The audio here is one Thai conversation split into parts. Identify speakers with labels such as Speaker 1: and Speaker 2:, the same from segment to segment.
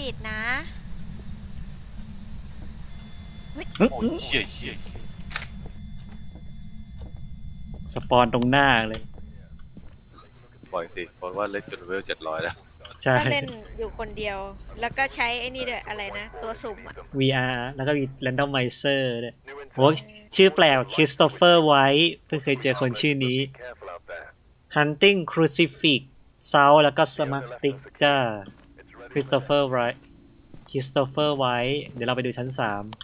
Speaker 1: ปิดนะเฮ้ย
Speaker 2: โอ้ยเชี่ย
Speaker 3: สปอนตรงหน้าเลย
Speaker 2: ปล่อยสิเพราะว่าเล่นจนเลเวล700แล้ว
Speaker 3: ใช่
Speaker 1: ก็เล่นอยู่คนเดียว แล้วก็ใช้ไอ้นี่ด้วยอะไรนะ ตัวสุ่มอ่ะ
Speaker 3: VR แล้วก็มี Randomizer ด้วยโอ้ชื่อแปลกคริสโตเฟอร์ไวท์เพิ่งเคยเจอคนชื่อนี้ Hunting Crucifix Sound แล้วก็ Smart Stick จ้าคริสโตเฟอร์ไวท์เดี๋ยวเราไปดูชั้น 3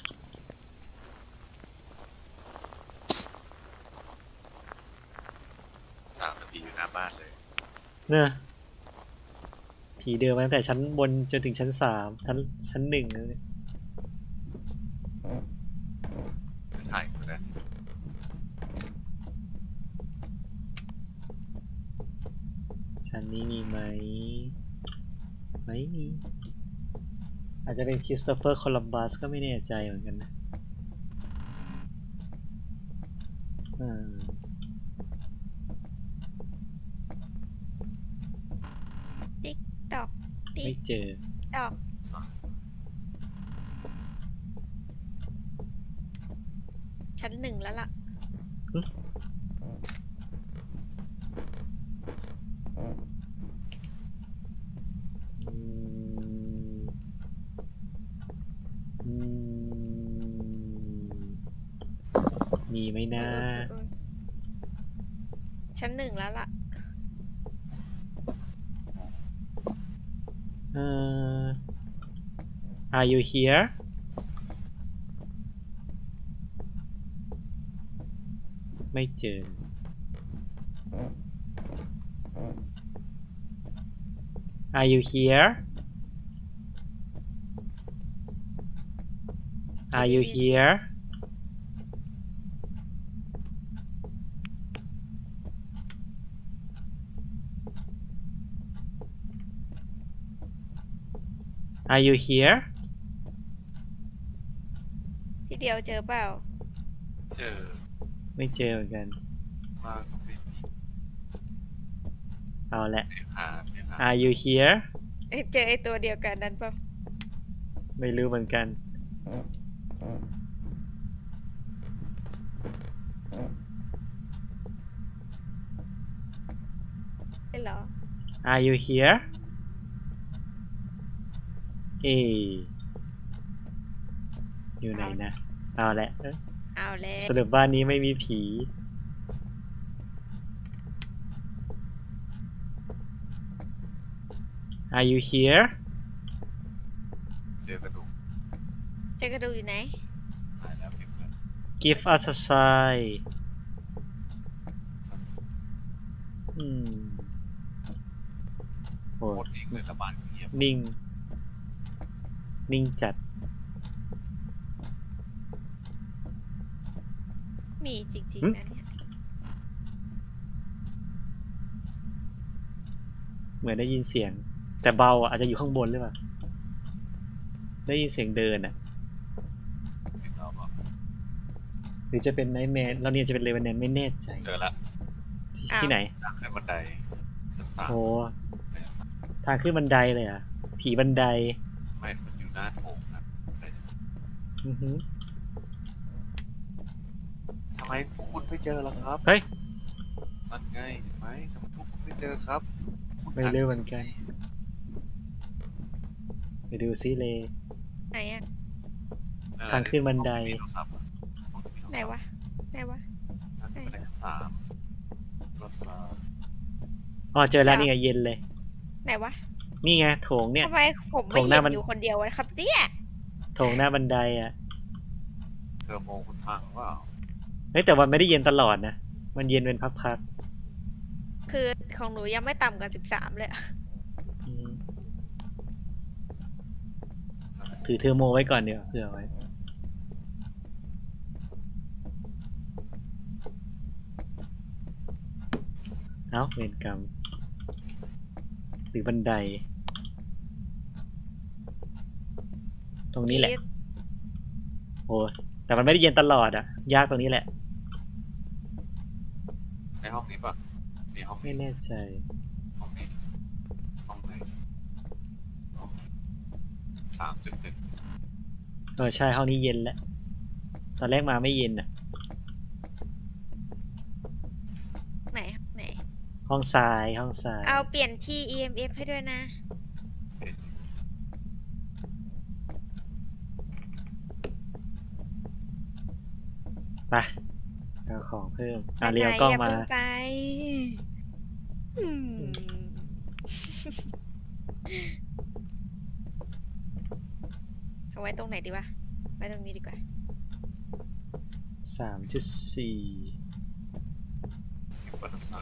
Speaker 2: 3 นาทีอยู่หน้าบ้านเลย
Speaker 3: เนอะผีเดินมาตั้งแต่ชั้นบนจนถึงชั้น 3 ชั้น 1เลย
Speaker 2: ถ่ายนะ
Speaker 3: ชั้นนี้มีไหม ไม่มี อาจจะเป็นคริสโตเฟอร์โคลัมบัสก็ไม่แน่ใจเหมือนกันนะ
Speaker 1: ติ๊กตอก ติ๊
Speaker 3: ไม่
Speaker 1: ก
Speaker 3: เจอ
Speaker 1: ตอก ชั้น 1แล้วล่ะ
Speaker 3: อืมอืมมีไหมนะ
Speaker 1: ชั้น 1แล้วล่ะ
Speaker 3: Are you here ไม่เจอ Are you here Are you here Are you here
Speaker 1: พี่เดียวเจอเปล่า
Speaker 2: เจอ
Speaker 3: ไม่เจอเหมือนกัน
Speaker 2: ว่าก็เป็น
Speaker 3: เอาแหละ
Speaker 2: เนี่ยหา
Speaker 3: Are you here
Speaker 1: เจอไอตัวเดียวกันนั้นเปล่า
Speaker 3: ไม่รู้เหมือนกัน
Speaker 1: ใช่เหรอ
Speaker 3: Are you here เออยู่ไหนนะ เอาแหละ
Speaker 1: เอาแล้ว
Speaker 3: สรุปบ้านนี้ไม่มีผี Are you here
Speaker 2: เจอกระดูก
Speaker 1: เจอกระดูกอยู่ไหน
Speaker 2: หายแล้วเก็บเลย
Speaker 3: Give us a sign อืมโอ้
Speaker 2: โคตรนิ่งเลยละบ้านเงียบ
Speaker 3: นิ่ง นิ่งจัด
Speaker 1: มีจริง
Speaker 3: หึ
Speaker 1: ๆนะเนี่ย
Speaker 3: เหมือนได้ยินเสียง แต่เบาอ่ะอาจจะอยู่ข้างบนหรือเปล่า ได้ยินเสียงเดินอ่ะ
Speaker 2: สิบรอบอ่ะ
Speaker 3: หรือจะเป็นไนท์แมร์แล้วเนี่ยจะเป็นเลเวนแนนไม่แน่ใจ
Speaker 2: เจอละ
Speaker 3: ที่ไหน
Speaker 2: ทางขึ้นบันไดชั้นสาม
Speaker 3: โอ้ทางขึ้นบันไดเลยอ่ะ ผีบันได
Speaker 2: ไม่มันอยู่หน้าโถงนะไป
Speaker 3: อือหือ
Speaker 2: ทำไมพวกคุณไม่เจอล่ะครับ
Speaker 3: เฮ้ย
Speaker 2: นั่นไงเห็นไหมทำไมพวกคุณไม่เจอครับคุณ
Speaker 3: ไม่รู้เหมือนกัน ไปดูซิเลย
Speaker 1: ไหนอะ
Speaker 3: ทางขึ้นบันได
Speaker 2: มีโทรศัพท์อะห้องมีโทรศัพท์
Speaker 1: ไหนวะ ไหนวะ
Speaker 2: ทางขึ้นบันไดชั้น3โทรศัพท์
Speaker 3: อ๋อเจอแล้วนี่ไงเย็นเลย
Speaker 1: ไหนวะ
Speaker 3: นี่ไงโถงเนี่ย
Speaker 1: ทำไมผม
Speaker 3: โถ
Speaker 1: ไม่
Speaker 3: งห
Speaker 1: เห็
Speaker 3: น้าน มัน
Speaker 1: อยู่คนเดียววะครับเนี่ย
Speaker 3: โถงหน้าบันไดอ่ะ
Speaker 2: เทอร์โมคุณพังเปล่า
Speaker 3: เฮ้ยแต่วันไม่ได้เย็นตลอดนะ มันเย็นเป็นพัก
Speaker 1: คือของหนูยังไม่ต่ำกว่า13เลยอะ
Speaker 3: ๆอืมถือเทอร์โมไว้ก่อนเดี๋ยวาเผื่อไว้ เอ้าเวรกรรม หรือบันได ตรงนี้แหละ โอ้แต่มันไม่ได้เย็นตลอดอ่ะ ยากตรงนี้แหละ
Speaker 2: ในห้องนี้ปะมีห้อง
Speaker 3: ไม่
Speaker 2: นี้
Speaker 3: แน่ใจ
Speaker 2: ห้องนี้ห้องไหนห้อง 3.1
Speaker 3: ใช่ห้องนี้เย็นแล้ว ตอนแรกมาไม่เย็นอ่ะ
Speaker 1: ไหนไหน
Speaker 3: ห้องทรายห้องทราย
Speaker 1: เอาเปลี่ยนที่ EMF ให้ด้วยนะ
Speaker 3: ไปเอาของเพิ่ม
Speaker 1: ไปไหน
Speaker 3: เรียวก็
Speaker 1: อย่า
Speaker 3: มา
Speaker 1: เพิ่งไปอืมเอาไว้ตรงไหนดีวะ ไว้ตรงนี้ดีกว่า
Speaker 3: 3.4
Speaker 2: วัตสาร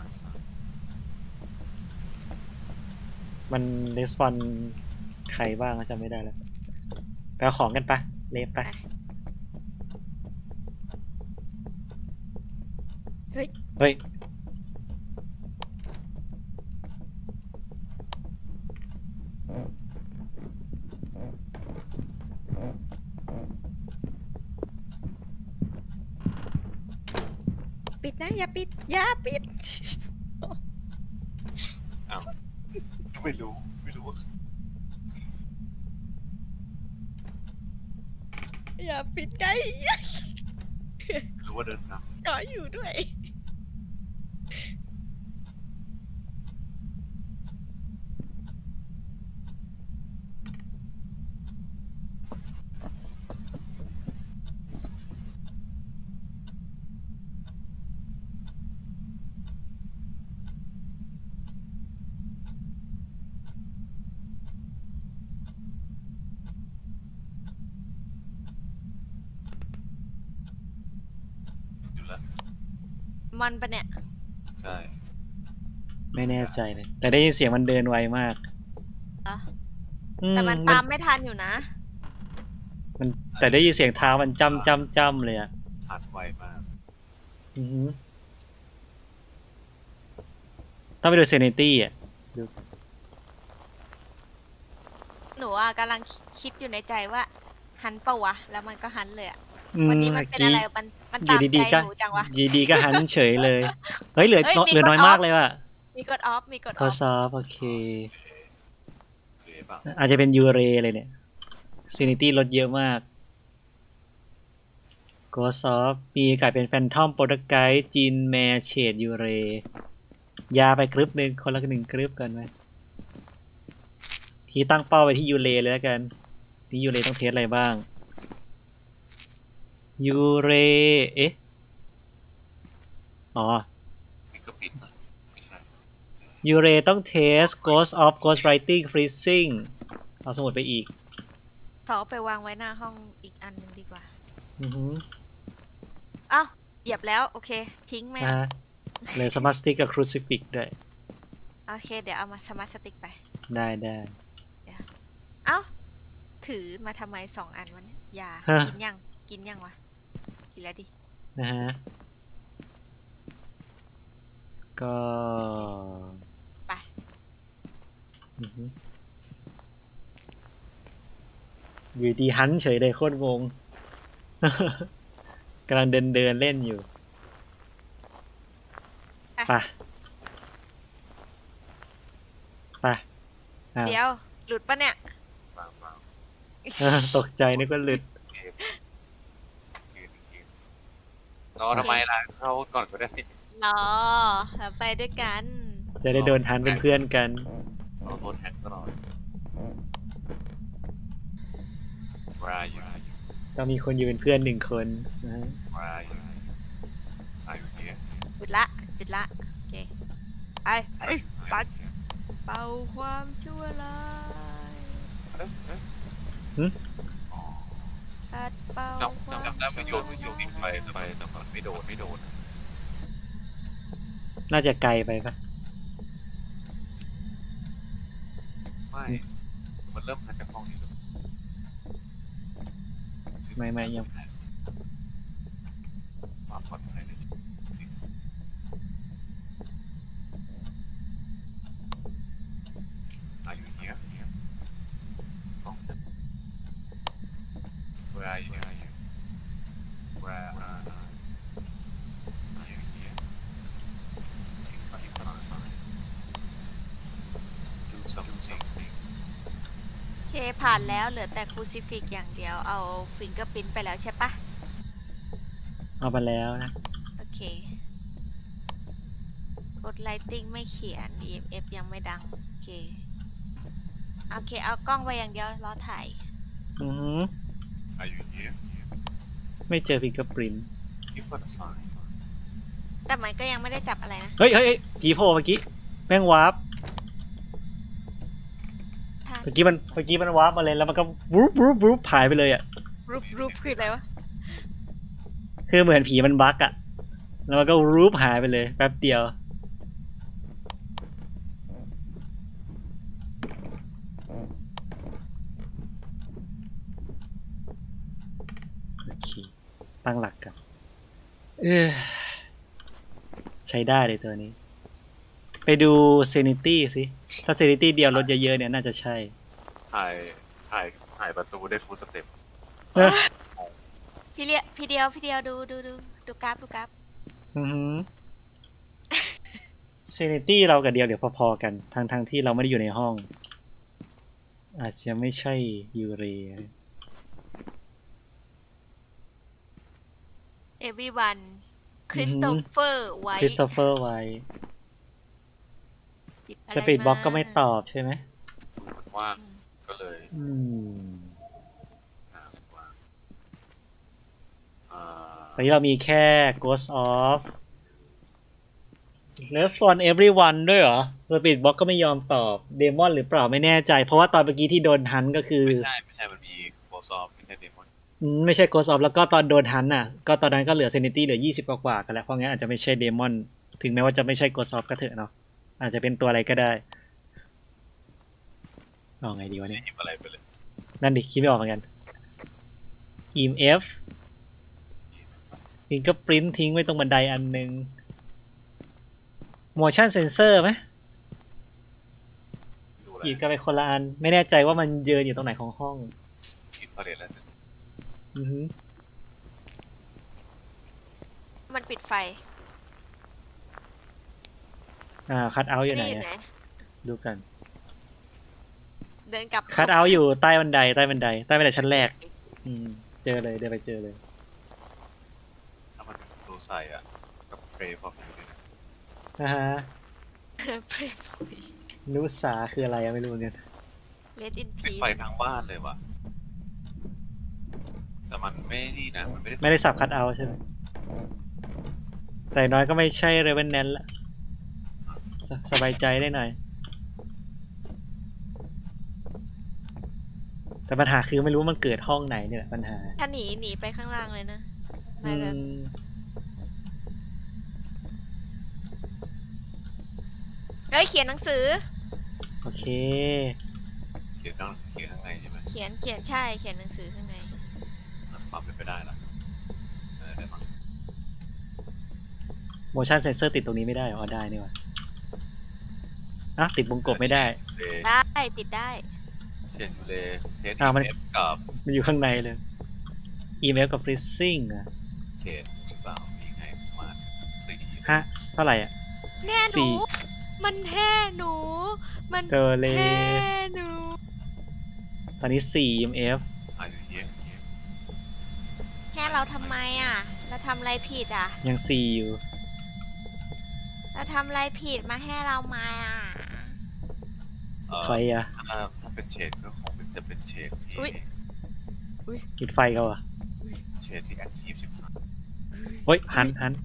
Speaker 3: มันレスปอนใครบ้างจำไม่ได้แล้วไปเอาของกันปะเลฟปะ
Speaker 1: เฮ้ย
Speaker 3: เฮ้ย
Speaker 1: ปิดนะ อย่าปิด อย่าปิด
Speaker 2: อ้าวไม่รู้ว่า
Speaker 1: อย่าปิดไง
Speaker 2: รู้ว่าเดินน
Speaker 1: ก็อยู่ด้วย
Speaker 2: ำอยู่แล้ว
Speaker 1: มันปะเนี่ย
Speaker 2: ใช่
Speaker 3: ไม่แน่ใจเลย แต่ได้ยินเสียงมันเดินไวมาก
Speaker 1: อ่ะ
Speaker 3: อื
Speaker 1: แต่มันตามไม่ทันอยู่นะ
Speaker 3: มันแต่ได้ยินเสียงเท้ามันจ้ำเลยอ่ะ
Speaker 2: ผ่านไวมาก
Speaker 3: อือหือต้องไปดูเซนิตี้อ่ะ
Speaker 1: หนูอ่ะกำลังคิดอยู่ในใจว่า หันเปะวะ แล้วมันก็หันเลยอ่ะ
Speaker 3: อืม
Speaker 1: วันนี้มันเป็นอะไร มัน
Speaker 3: อ
Speaker 1: ตา
Speaker 3: ยู่
Speaker 1: ม
Speaker 3: ดี
Speaker 1: ใจ
Speaker 3: ๆก็
Speaker 1: หนูจังวะ
Speaker 3: อยู่ดีๆก็หันเฉยเลย เฮ้ยเหลือ
Speaker 1: เฮ้ยมี
Speaker 3: เหลือน้อย
Speaker 1: กดออฟ
Speaker 3: มากเลยว่ะ
Speaker 1: มีกดออฟ มีกดอ
Speaker 3: คอ
Speaker 1: อฟ
Speaker 3: ซอฟโอเค
Speaker 2: หรือเปล่า
Speaker 3: อาจจะเป็นยูเรเลยเนี่ยเซนิตี้ลดเยอะมากโกซอฟมีกลายเป็นแฟนทอมโปรตไกด์จินแมร์เชดยูเรยาไปกรึบหนึ่งคนละหนึ่งกรึบกันไหมทีตั้งเป้าไปที่ยูเรเลยแล้วกันนี่ยูเรต้องเทสอะไรบ้างยูเรเอ๊ะอ๋อ
Speaker 2: นี่ก็ปิดนะไม่ใช่
Speaker 3: ยูเรต้องเทส Ghost of Ghost Writing Freezing เอาสมุดไปอีก
Speaker 1: สอไปวางไว้หน้าห้องอีกอันหนึงดีกว่า
Speaker 3: อือหือ
Speaker 1: อ้าว เหยียบแล้ว โอเค ทิ้งแม่ง
Speaker 3: เหลยสมาร์ทสติ๊กกับครูซิฟิกด้วย
Speaker 1: โอเค เดี๋ยวเอามาสมาร์ทสติ๊กไป
Speaker 3: ได้
Speaker 1: เอ้า ถือมาทำไม2 อันวะเนี่ยยา
Speaker 3: ฮะ
Speaker 1: กินยัง กินยังวะ กินแล้วดิ
Speaker 3: นะฮะ ก็
Speaker 1: ไป
Speaker 3: อือหืออยู่ดีฮันเฉยเลยโคตรงง กำลังเดินเล่นอยู่ ไปอ้าว
Speaker 1: เดี๋ยว หลุดปะเนี่ย
Speaker 2: เปล่า
Speaker 3: ตกใจนึกว่าหลุด
Speaker 2: เกมรอทำไมล่ะเข้าก่อนก็ได้
Speaker 1: รอแล้วไปด้วยกัน
Speaker 3: จะได้โดนฮันเป็นเพื่อนกัน
Speaker 2: เราโทษแฮกตลอดวายอยู่
Speaker 3: ต้องมีคนอยู่เป็นเพื่อน1 คนนะฮะ
Speaker 2: วายอยู่เนี่ย
Speaker 1: จุดละ จุดละ โอเค ไปปัดเป่าความชั่วร้าย ปัดเป่าความ
Speaker 2: จำได้มันโยนทิ้งไปแต่มันไม่โดน
Speaker 3: น่าจะไกลไปปะ
Speaker 2: ไม่มันเริ่มมาจากห้องนี้
Speaker 3: ไม่ยัง
Speaker 2: ความปลอดภัยในชีวิตอายุเนี้ยห้องฉัน Where are you Where are you here It's not Do something
Speaker 1: เคผ่านแล้วเหลือแต่ครูซิฟิกอย่างเดียวเอาฟิงเกอร์พิ้นไปแล้วใช่ปะ
Speaker 3: เอาไปแล้วนะ
Speaker 1: โอเคกดไลติ้งไม่เขียน EMF ยังไม่ดังโอเคเอากล้องไปอย่างเดียวรอถ่าย
Speaker 3: อือหือ
Speaker 2: Are you here?
Speaker 3: ไม่เจอพิงเกอร์ปริน
Speaker 2: Give us a sign.
Speaker 1: แต่มันก็ยังไม่ได้จับอะไรนะ
Speaker 3: เฮ้ยผีโผล่เมื่อกี้แม่งวาร์ป
Speaker 1: ท่าน
Speaker 3: เมื่อกี้มันวาร์ปมาเลยแล้วมันก็วูบหายไปเลยอ่ะ
Speaker 1: รูปคืออะไรวะ
Speaker 3: คือเหมือนผีมันบั๊กอ่ะแล้วมันก็รูปหายไปเลยแป๊บเดียวโอเคตั้งหลักกันใช้ได้เลยตัวนี้ ไปดู Sanity สิถ้า Sanity เดียวลดเยอะๆเนี่ยน่าจะใช่
Speaker 2: ถ่ายประตูได้ฟูลสเต็ป
Speaker 1: พี่เดียวดูกราฟ
Speaker 3: อือหือ Sanity เรากับเดียวเดี๋ยวพอๆกันทั้งที่เราไม่ได้อยู่ในห้อง อาจจะไม่ใช่ยูเร
Speaker 1: everyone คริสโตเฟอร์ไว้
Speaker 3: คริสโตเฟอร์ไว้สปีดบ็อกก็ไม่ตอบใช่ไหม
Speaker 2: มันว่างก็เลย ว่าง
Speaker 3: ตอนนี้เรามีแค่ Ghost of Respond Everyone ด้วยเหรอสปีดบ็อกก็ไม่ยอมตอบเดมอนหรือเปล่าไม่แน่ใจ เพราะว่าตอนเมื่อกี้ที่โดนฮันก็คือ
Speaker 2: ไม่ใช่มันมีโบซอฟไม่ใช่เดมอน
Speaker 3: ไม่ใช่ Ghost of แล้วก็ตอนโดนฮันน่ะก็ตอนนั้นก็เหลือ Sanity เหลือ20กว่าๆกันแล้วเพราะงั้นอาจจะไม่ใช่เดมอนถึงแม้ว่าจะไม่ใช่ Ghost of ก็เถอะเนาะอาจจะเป็นตัวอะไรก็ได้เอาไงดีวะ
Speaker 2: ไม่
Speaker 3: เนี่ย
Speaker 2: หยิบอะไรไปเลย
Speaker 3: นั่นดิคิดไม่ออกเหมือนกัน EMF Fingerprint ทิ้งไว้ตรงบันไดอันนึง Motion Sensor ไหม
Speaker 2: ดูอะไร
Speaker 3: หยิบกันไปคนละอันไม่แน่ใจว่ามันเยืนอยู่ตรงไหนของห้อง
Speaker 2: อินฟราเรดแล้วเสร็จ
Speaker 3: อือฮึ
Speaker 1: มันปิดไฟ
Speaker 3: คัทเอาท์อยู่ไหน
Speaker 1: นี่
Speaker 3: อะ
Speaker 1: ไหน
Speaker 3: ดูกัน
Speaker 1: เดินกลับ
Speaker 3: คัทเอาท์อยู่ใต้บันไดชั้นแรก เจอเลยเดินไปเจอเลย
Speaker 2: ถ้ามันเป็นประตูใส่อ่ะกับเพลย์ฟอร์มอยู่ด้วยนะ
Speaker 3: นะฮะ
Speaker 1: เพรฟอย
Speaker 3: นุสาคืออะไรอะไม่รู้เหมือนกัน
Speaker 1: เลดอิน
Speaker 2: ปิ
Speaker 1: พี
Speaker 2: ดไฟทางบ้านเลยว่ะแต่มันไม่นี่นะมันไม่ได้
Speaker 3: ไม่ได้สับคัทเอาท์ใช่ไหมแต่น้อยก็ไม่ใช่เรเวนแนนละสบายใจได้หน่อย แต่ปัญหาคือไม่รู้ว่ามันเกิดห้องไหนเนี่ยแหละปัญหา
Speaker 1: ถ้าหนีไปข้างล่างเลยนะ
Speaker 3: อื
Speaker 1: น่าจะ
Speaker 3: ม
Speaker 1: เฮ้ยเขียนหนังสือ
Speaker 3: โอเค
Speaker 2: เขียนข้างในใช่ไหม
Speaker 1: เขียนใช่เขียนหนังสือข้างใน
Speaker 2: ปรับเป็นไปได้ละได้มั้ง
Speaker 3: motion sensor ติดตรงนี้ไม่ได้เหรออ๋อได้นี่หว่าอ่ะติดวงกบไม่ได้
Speaker 1: ได้ติดได้
Speaker 2: เช่นเลเทส
Speaker 3: มัน
Speaker 2: เอฟกับ
Speaker 3: มันอยู่ข้างในเลย EMF กับ freezing อ่ะ
Speaker 2: เขตหรือเปล่ามีไงประมาณ4
Speaker 3: ฮะเท่าไหร่อ่ะ
Speaker 1: แน่ห
Speaker 3: สี่
Speaker 1: นู มันแห่หนู มัน
Speaker 3: เจอเลย
Speaker 1: แห่หนู
Speaker 3: ตอนนี้ 4 EMF
Speaker 2: อายุเยอะ
Speaker 1: แห่เราทำไมอ่ะ เราทำอะไรผิดอ่ะ
Speaker 3: ยัง 4 อยู่
Speaker 1: เราทำอะไรผิดมาแห่เรามาอ่ะ
Speaker 3: ใครอ่ะ
Speaker 2: ถ้าเป็นเฉดก็คงจะเป็นเฉดที่
Speaker 3: ปิดไฟเขาอ่ะ
Speaker 2: เฉดที่แอคทีฟ15
Speaker 3: เฮ้ย หัน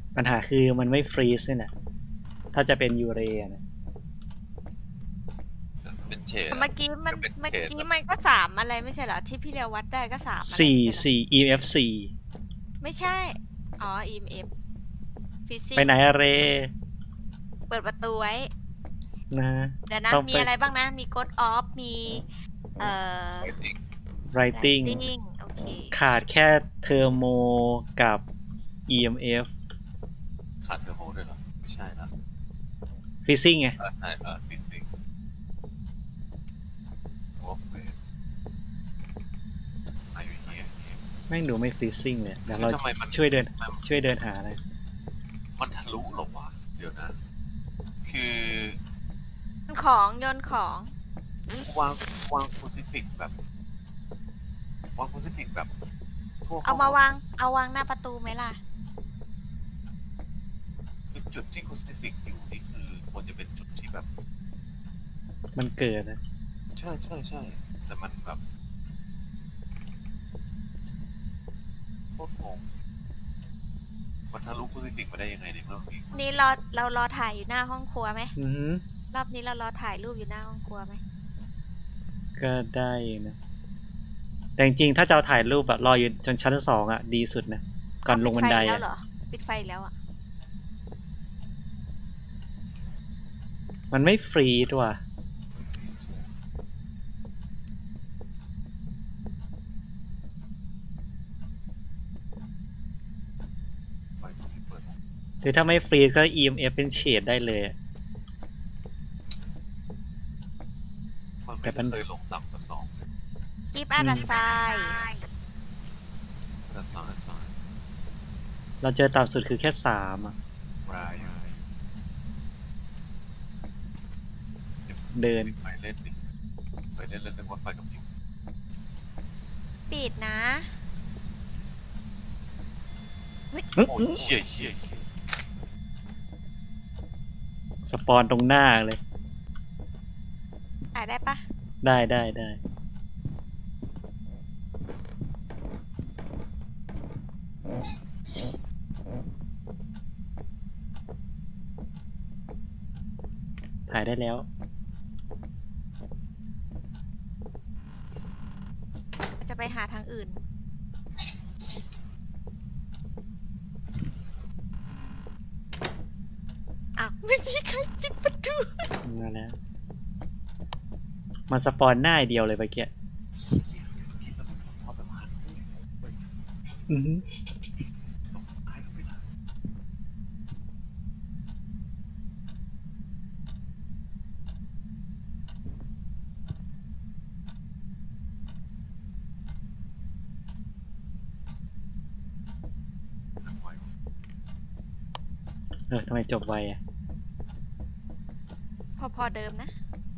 Speaker 3: ปัญหาคือมันไม่ฟรีซเนี่ยนะถ้าจะเป็นยูเรนะ
Speaker 2: เป็นเฉด
Speaker 1: เมื่อกี้มัน
Speaker 2: เป็น
Speaker 1: เมื่อ
Speaker 2: เฉด
Speaker 1: กี้มันก็สามอะไรไม่ใช่เหรอที่พี่เรียววัดได้ก็สามอะไร
Speaker 3: สี่
Speaker 1: ไม่ใช่เหรอ
Speaker 3: สี่ EMF สี่
Speaker 1: ไม่ใช่ อ๋อ EMF ฟิสิก
Speaker 3: ไปไหนอะเร
Speaker 1: เปิดประตูไว้
Speaker 3: นะ
Speaker 1: เดี๋ยวนะ
Speaker 3: ต้อง
Speaker 1: มี
Speaker 3: ไป
Speaker 1: อะไรบ้างนะ มี Code Off มีเอ่อ
Speaker 3: writing
Speaker 1: Writing โอเค
Speaker 3: ขาดแค่เทอร์โมกับ EMF
Speaker 2: ขาดเทอร์โมด้วยเหรอไม่ใช่นะ
Speaker 3: ฟิซซิ่งไง
Speaker 2: ใช่ฟิสิกส์โอเคอายุเฮีย
Speaker 3: แม่งดูไม่ฟิซซิ่งเลยเดี๋ยวเรา
Speaker 2: ทำไมมัน
Speaker 3: ช่วยเดินหาเลย
Speaker 2: มันทะลุเหรอวะเดี๋ยวนะ คือ
Speaker 1: ของโยนของ
Speaker 2: วางคูซิฟิกแบบวางคูซิฟิกแบบทั่ว
Speaker 1: เอามาวาง เอาวางหน้าประตูไหมล่ะ
Speaker 2: คือจุดที่คูซิฟิกอยู่นี่คือควรจะเป็นจุดที่แบบ
Speaker 3: มันเกิดนะ
Speaker 2: ใช่แต่มันแบบโคตรงงมันทะลุคูซิฟิกมาได้ยังไงในเมื่อมี
Speaker 1: นี่เรารอถ่ายอยู่หน้าห้องครัวไหม
Speaker 3: อือหือ
Speaker 1: รอบนี้เรารอถ่ายรูปอยู่หน้าห้องครัวไหม
Speaker 3: ก็ได้นะ แต่จริงๆถ้าจะเอาถ่ายรูปแบบรออยู่จนชั้นสองอ่ะ ดีสุดนะ ก่อนลงบันได
Speaker 1: ปิฟแล้ว
Speaker 3: อ่ะ
Speaker 1: เหรอ ปิดไฟแล้วอ่ะ
Speaker 3: มันไม่ฟรีด้วยว่ะ
Speaker 2: ไฟตรงนี้เปิด
Speaker 3: หรือถ้าไม่ฟรีก็ EMF เป็นเฉดได้เลยอะ
Speaker 2: มัน
Speaker 3: แต่
Speaker 2: ไม่
Speaker 3: มัน
Speaker 2: เคยลงต่ำกว่า2เลย
Speaker 1: Keep at the side
Speaker 2: แต่สอง
Speaker 3: เราเจอต่ำสุดคือแค่สามอ่ะ
Speaker 2: ราย
Speaker 3: เดิน
Speaker 2: ไฟเล่นดิไฟเล่นนึกว่าไฟกับพริบ
Speaker 1: ปิดนะ
Speaker 2: โอ้ยเชี่ย
Speaker 3: สปอนตรงหน้าเลย
Speaker 1: ถ่ายได้ปะ
Speaker 3: ได้ถ่ายได้แล้ว
Speaker 1: จะไปหาทางอื่น อ้าว ไม่มีใครปิดประตู
Speaker 3: มาแล้ว มันสปอนหน้าเดียวเลยเมื่อกี้
Speaker 2: คิดแล้วมันสปอร์ตแบบหัน
Speaker 3: อือหือ
Speaker 2: ตายก็ไม่ได้ทำไมวะ
Speaker 3: ทำไมจบไวอ่ะ
Speaker 1: พอเดิมนะ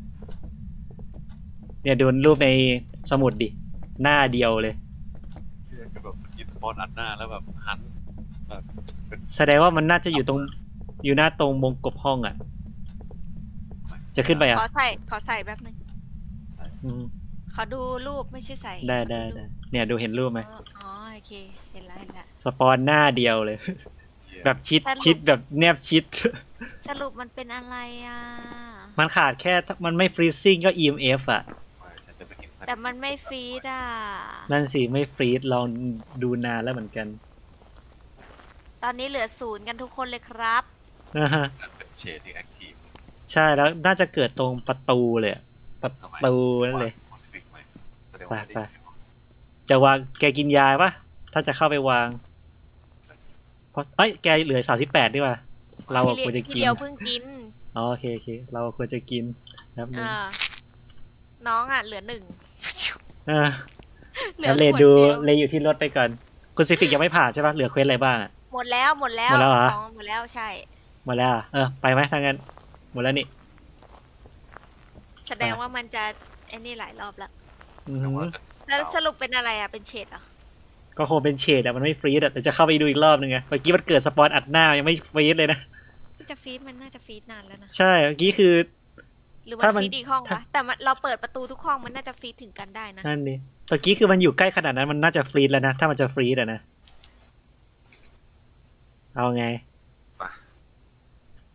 Speaker 3: เนี่ยดูรูปในสมุดดิ หน้าเดียวเลย
Speaker 2: คือแบบยิงสปอร์ตอัดหน้าแล้วแบบหันแบบเป็น
Speaker 3: แสดงว่ามันน่าจะอยู่อยู่หน้าตรงวงกบห้องอ่ะ จะขึ้นไปอ่ะ
Speaker 1: ขอใส่แบบนึง
Speaker 3: อืม
Speaker 1: ขอดูรูปไม่ใช่ใส่
Speaker 3: ได้
Speaker 1: ขอรูป
Speaker 3: เนี่ยดูเห็นรูปไหม
Speaker 1: อ๋อโอเค เห็นแล้ว
Speaker 3: สปอนหน้าเดียวเลย
Speaker 2: เหี้ย
Speaker 3: แบบชิด
Speaker 1: สรุป
Speaker 3: ชิดแบบแนบชิด
Speaker 1: สรุปมันเป็นอะไรอ่ะ
Speaker 3: มันขาดแค่มันไม่ฟรีซิ่งก็ EMF อ่ะ
Speaker 2: ฉันจะไปกินสัตว์
Speaker 1: แต่มันไม่ฟีดอ่ะ
Speaker 3: นั่นสิ ไม่ฟรีดลองดูนานแล้วเหมือนกัน
Speaker 1: ตอนนี้เหลือ0กันทุกคนเลยครับ
Speaker 3: นะฮะ
Speaker 2: นั่นเป็นเชดที่แอคทีฟ
Speaker 3: ใช่แล้วน่าจะเกิดตรงประตูเลยอะประตูนั่นเลย
Speaker 2: โพซิฟิกไหมแสดงว่าไม่ได้
Speaker 3: จะวางแกกินยาปะถ้าจะเข้าไปวางเพราะแกเหลือ38ดีกว่า เราอะควรจะ
Speaker 1: พี่
Speaker 3: กิน
Speaker 1: เดียวเพิ่งกิน
Speaker 3: อ๋อโอเคเราควรจะกินครับนึง
Speaker 1: น้องอ่ะเหลือ1
Speaker 3: อ่า
Speaker 1: เหลือ
Speaker 3: แล้ว
Speaker 1: ข
Speaker 3: เล
Speaker 1: วด
Speaker 3: ดู
Speaker 1: เดียว
Speaker 3: เลอยู่ที่รถไปก่อนคุณซิฟิกยังไม่ผ่านใช่ปะเหลือเควสอะไรบ้างอะ
Speaker 1: หมดแล้ว
Speaker 3: หมดแล้วเหรอ
Speaker 1: ของหมดแล้วใช่
Speaker 3: หมดแล้วเหรอไปไหมทางนั้นหมดแล้วนี่
Speaker 1: แสดงว่ามันจะไอ้นี่หลายรอบแล้ว
Speaker 3: อือ
Speaker 2: แต่
Speaker 3: หื
Speaker 2: ว่า
Speaker 3: อ
Speaker 2: จะ
Speaker 1: แล้วสรุปเป็นอะไรอ่ะ เป็นเฉดเหรอ
Speaker 3: ก็คงเป็นเฉดอะมันไม่ฟรีดอะเดี๋ยวจะเข้าไปดูอีกรอบนึงไงเมื่อกี้มันเกิดสปอนอัดหน้ายังไม่ฟรีดเลยนะ
Speaker 1: ที่จะฟีดมันน่าจะฟีดนานแล้วนะ
Speaker 3: ใช่เมื่อกี้คือ
Speaker 1: หรือมั
Speaker 3: ถ้าน มัน
Speaker 1: ฟีดอีกห้อง
Speaker 3: ถ้า
Speaker 1: วะแต่มันเราเปิดประตูทุกห้องมันน่าจะฟีดถึงกันได้นะ
Speaker 3: นั่นดิเมื่อกี้คือมันอยู่ใกล้ขนาดนั้นมันน่าจะฟรีดแล้วนะถ้ามันจะฟรีดอะนะเอาไง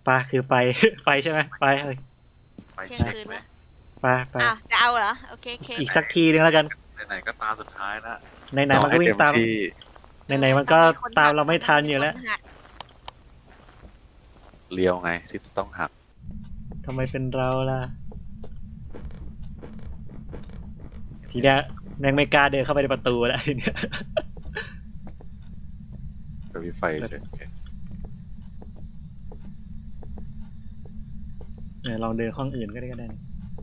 Speaker 3: ปะคือไป ไปใช่ไหมไปเอ้ย
Speaker 2: ไป
Speaker 1: เที่ยง
Speaker 2: เช็ค
Speaker 1: คืน
Speaker 2: ไหม
Speaker 1: วะ
Speaker 3: ไป
Speaker 1: อ้าวจะเอาเหรอโอเคโอเค
Speaker 3: อีกสักทีนึงแล้วกัน
Speaker 2: ไหนๆก็ตาสุดท้ายแล้ว
Speaker 3: ไหนๆมันก็วิ่งตาม
Speaker 2: ที่
Speaker 3: ไหนๆมันก็ตามเราไม่ทันอยู่แล้ว
Speaker 2: เลี้ยวไงที่ต้องหัก
Speaker 3: ทำไมเป็นเราล่ะ ทีเนี้ยแม่งไม่กล้าเดินเข้าไปในประตูแล้วทีเนี้ย
Speaker 2: กับวิไฟเฉยโอเค
Speaker 3: ลองเดินห้องอื่นก็ได้นะ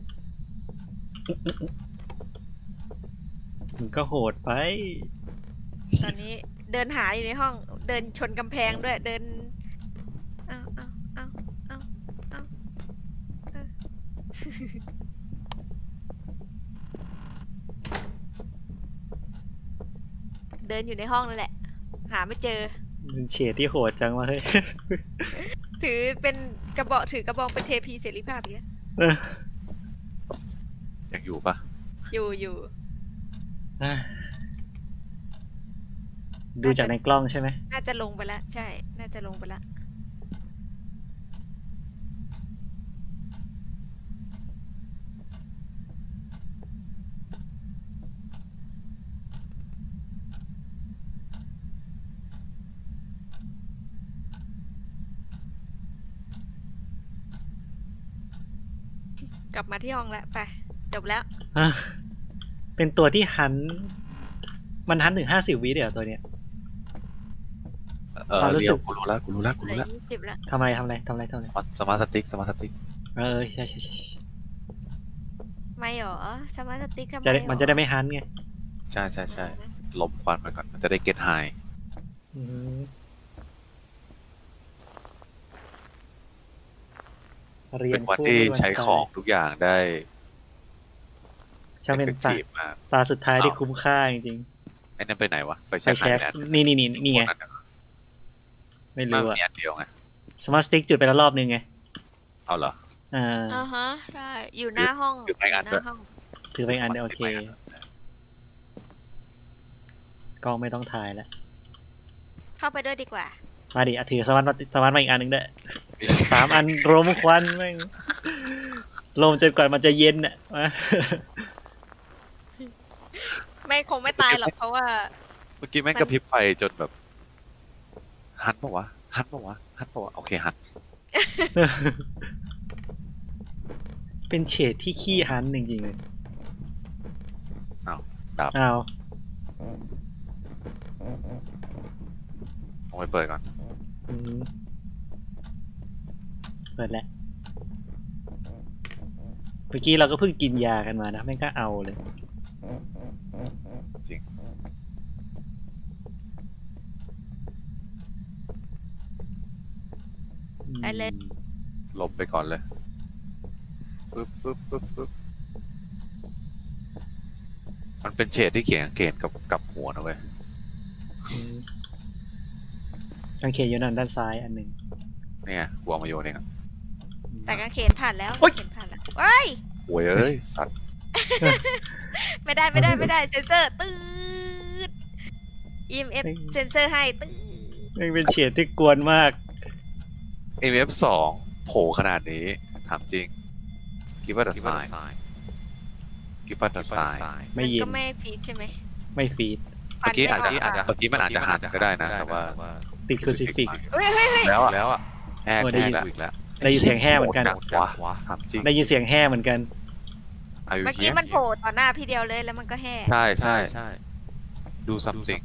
Speaker 3: มันก็โหดไป
Speaker 1: ตอนนี้เดินหาอยู่ในห้องเดินชนกำแพงด้วยเดินเอาเออ เดินอยู่ในห้องนั่นแหละ หาไม่เจอ
Speaker 3: เป็นเฉดที่โหดจังวะเฮ้ย
Speaker 1: ถือเป็นกระบอกถือกระบองเป็นเทพีเสรีภาพอีกแล้ว
Speaker 2: ยังอยู่ปะ
Speaker 1: อยู่
Speaker 3: อ่ะดูจากในกล้องใช่ไหม
Speaker 1: น่าจะลงไปแล้วใช่ น่าจะลงไปแล้วกลับมาที่ห้องแล้วไปจบแล้ว
Speaker 3: อ่ะเป็นตัวที่หัน มันหันถึง50 วิเดี๋ยวตัวเนี้ย ความรู้
Speaker 2: เลี้
Speaker 3: สึ
Speaker 2: ยว
Speaker 3: ก
Speaker 2: กูรู้แล้ว
Speaker 1: เหลือ
Speaker 2: กูรู้แล้ว
Speaker 1: 20แล้ว
Speaker 3: ทำอะไรทำอะไร
Speaker 2: สมาร์ทสติ๊ก
Speaker 3: ใช่
Speaker 1: ไม่หรอสมาร์ทสติ๊กทำไม
Speaker 3: จะได้
Speaker 1: หรอ
Speaker 3: มันจะได้ไม่หันไง
Speaker 2: ใช่ลมควันไปก่อนมันจะได้เก็ตไฮ
Speaker 3: อืมเรีย
Speaker 2: เป็น นวันที่ใช้ของทุกอย่างได้
Speaker 3: ช่างเป็นตา
Speaker 2: effective มาก
Speaker 3: ตาสุดท้ายที่คุ้มค่าจริง
Speaker 2: ไอ้นั่นไปไหนวะไฟ
Speaker 3: ๆไป
Speaker 2: แช็ก
Speaker 3: แช็ค
Speaker 2: ไหน
Speaker 3: นี่ไง ไม่
Speaker 2: มา
Speaker 3: รู้อะ
Speaker 2: มีอันเดียวไง
Speaker 3: สมาร์ทสติ๊กจุดไปแล้วรอบนึงไง
Speaker 2: เอาเหรอ
Speaker 3: อ่า
Speaker 1: อ่าฮะใช่อยู่หน้าห้อง
Speaker 2: อยู่ในอัน
Speaker 1: ห
Speaker 2: ด้วย
Speaker 1: น้าห้อง
Speaker 3: ถือไปอันเดียวโอเคกล้องไม่ต้องถ่ายแล้ว
Speaker 1: เข้าไปด้วยดีกว่า
Speaker 3: มาดิถือสมาร์ทมาอีกอันหนึ่งด้วย3 อันรมควันแม่งลมจนกว่ามันจะเย็นอ่ะมา
Speaker 1: ไม่คงไม่ตายหรอกเพราะว่า
Speaker 2: เมื่อกี้แม่งกระพริบไฟจนแบบหันปะวะโอเคหัน
Speaker 3: เป็นเฉดที่ขี้หันจริงๆเลย
Speaker 2: ดับ
Speaker 3: อ้าว
Speaker 2: เอาไปเปิดก่อน
Speaker 3: อืมเปิดแล้วเมื่อกี้เราก็เพิ่งกินยากันมานะแม่งก็เอาเลย
Speaker 2: จริง
Speaker 1: ไปเลย
Speaker 2: ลบไปก่อนเลยปึ๊บมันเป็นเฉดที่เขียนเกณฑ์กับหัวนะเว้ย
Speaker 3: อืมกางเขนอยู่นั่นด้านซ้ายอันหนึ่ง
Speaker 2: นี่ไงกูเอามาโยนเองอะ
Speaker 1: แต่กางเขนผ่านแล้วกางเขนผ่านแล้วว้าย
Speaker 2: โวยเอ้ยสัตว์
Speaker 1: ไม่ได้เซนเซอร์ตืด EMF เซนเซอร์ให้ตืด
Speaker 3: แม่งเป็นเฉดที่กวนมาก
Speaker 2: MF2 โผล่ขนาดนี้ถามจริงกิฟต์วัตไซน์กิฟต์วัตไซน์
Speaker 3: ไม่
Speaker 1: มัน
Speaker 3: ยิน
Speaker 1: ก็ไม่ฟีดใช่ไหม
Speaker 3: ไม่ฟีด
Speaker 2: เมื่อกี้
Speaker 1: ฟั
Speaker 2: อาน จ
Speaker 1: ไม่
Speaker 2: จะ
Speaker 1: ก
Speaker 2: เมื่อกี้มันอาจจะหันก็ได้นะแต่ว่า
Speaker 3: ติดครูซิฟิก
Speaker 1: เฮ้ย
Speaker 2: แล้วอ่ะแหก
Speaker 3: โอ้ได้ยิน
Speaker 2: อีกแล้ว
Speaker 3: ได้ยินเสียงแห่เหมือนกัน
Speaker 2: วะถามจริง
Speaker 3: ได้ยินเสียงแห่เหมือนกัน
Speaker 2: Are you
Speaker 1: เมื่อกี้
Speaker 2: here?
Speaker 1: มันโผล่ต่อหน้าพี่เดียวเลยแล้วมันก็แห่
Speaker 2: ใช่ดู something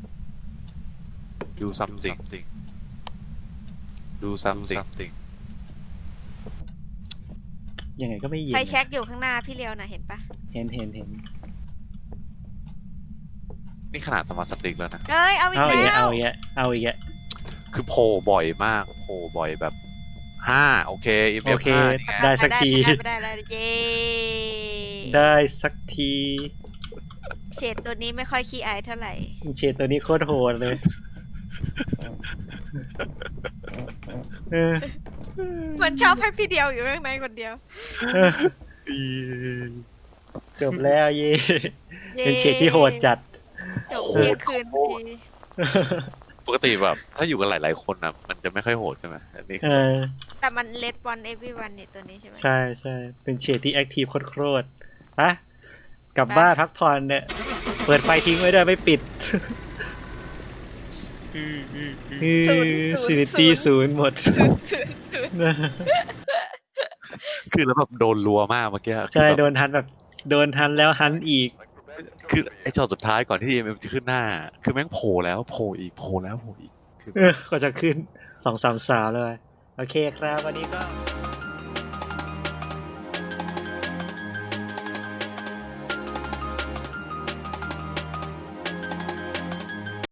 Speaker 2: ดู something ดู something
Speaker 3: ยังไงก็ไม่ยิน
Speaker 1: ไฟแช็กอยู่ข้างหน้าพี่เลียวนะเห็นปะ
Speaker 3: เห็น
Speaker 2: นี่ขนาดสมาร์ทสติ๊กแล้วนะ
Speaker 1: เอ้ยเอาอีก
Speaker 3: เอาอีก
Speaker 1: แล้ว
Speaker 3: เอาอีก
Speaker 2: คือโผล่บ่อยมากโผล่บ่อยแบบ5โอเค
Speaker 3: โอ
Speaker 2: MF
Speaker 3: เค
Speaker 2: 5นี่ไง
Speaker 3: ได้สักที
Speaker 1: ได้แล้วเย้
Speaker 3: ได้สักที
Speaker 1: เฉดตัวนี้ไม่ค่อยขี้อายเท่าไหร่
Speaker 3: เฉดตัวนี้โคตรโหดเลยเออ
Speaker 1: มันชอบให้พี่เดียวอยู่ข้างในคนเดียว
Speaker 3: จบแล้วเย่
Speaker 1: ย้
Speaker 3: เป็นเฉดที่โหดจัด
Speaker 1: จบเที่ยงคืนพอดี
Speaker 2: ปกติแบบถ้าอยู่กันหลายๆคนนะมันจะไม่ค่อยโหดใช่ไหมอันนี้
Speaker 3: เออ
Speaker 1: แต่แต่มันเลดวันเอวีวันเนี่ยตัวนี้ใช่ไหม
Speaker 3: ใช่ใช่เป็นเฉดที่แอคทีฟโคตรๆอะกลับบ้านพักผ่อนเนี่ย เปิดไฟทิ้งไว้ด้วยไม่ปิดซินิตี้ศูนย์หมด
Speaker 2: คือแล้วแบบโดนรัวมากเมื่อกี้
Speaker 3: ใช่
Speaker 2: คือแบบ
Speaker 3: โดนฮันแบบโดนฮันแล้วฮันอีก
Speaker 2: คือไอ้จอสุดท้ายก่อนที่ EMF จะขึ้นหน้า คือแม่งโผล่แล้วโผล่อีกโผล่แล้วโผล่อีกคือ
Speaker 3: ก็จะขึ้น2-3-3เลย โอเคครับวันนี้ก็